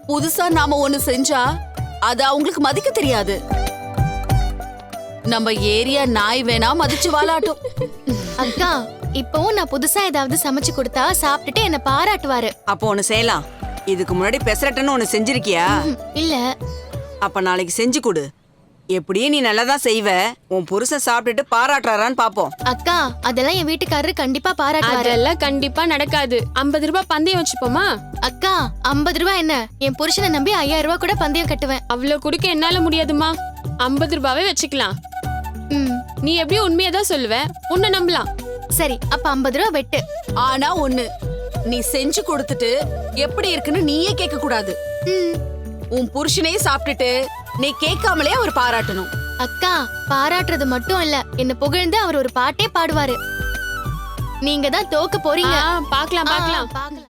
புதுசா நாம ஒண்ணு செஞ்சா அத அவங்களுக்கு மதிக்க தெரியாது. நம்ம ஏரியா நாய் வேணா மதிச்சு வாலாட்டும். அக்கா, இப்பவும் நான் புதுசா ஏதாவது சமைச்சு கொடுத்தா சாப்பிட்டுட்டு என்ன பாராட்டுவாரு. அப்போ ஒண்ணு செய்யலாம். இதுக்கு முன்னாடி பெசரட்டுன்னு ஒண்ணு செஞ்சிருக்கியா? இல்ல. அப்ப நாளைக்கு செஞ்சு கொடு. எப்படியும் நீ நல்லதான் செய்வ. உன் புருஷன் சாப்பிட்டுட்டு பாராட்டுறாரான்னு பாப்போம். அக்கா, அதெல்லாம் என் வீட்டுக்காரரு கண்டிப்பா பாராட்டுவாரு. அதெல்லாம் கண்டிப்பா நடக்காது. 50 ரூபாய் பந்தயம் வச்சுப்போமா? அக்கா, 50 ரூபாய் என்ன? என் புருஷனை நம்பி 5000 ரூபாய் கூட பந்தயம் கட்டுவேன். அவ்வளவு குடுக்க என்னால முடியாதுமா. 50 ரூபாவே வச்சுக்கலாம். நீ எப்படியும் உண்மையதான் சொல்லுவ. உன்னை நம்பலாம். சரி, அப்ப 50 ரூபாய் வெட்டு. ஆனா ஒண்ணு, நீ செஞ்சு கொடுத்துட்டு எப்படி இருக்குன்னு நீயே கேட்க கூடாது. உன் புருஷனே சாப்பிட்டுட்டு நீ கேட்காமலே அவர் பாராட்டணும். அக்கா, பாராட்டுறது மட்டும் இல்ல, என்ன புகழ்ந்து அவர் ஒரு பாட்டே பாடுவாரு. நீங்க தான் தோக்க போறீங்க. பார்க்கலாம். பார்க்கலாம்.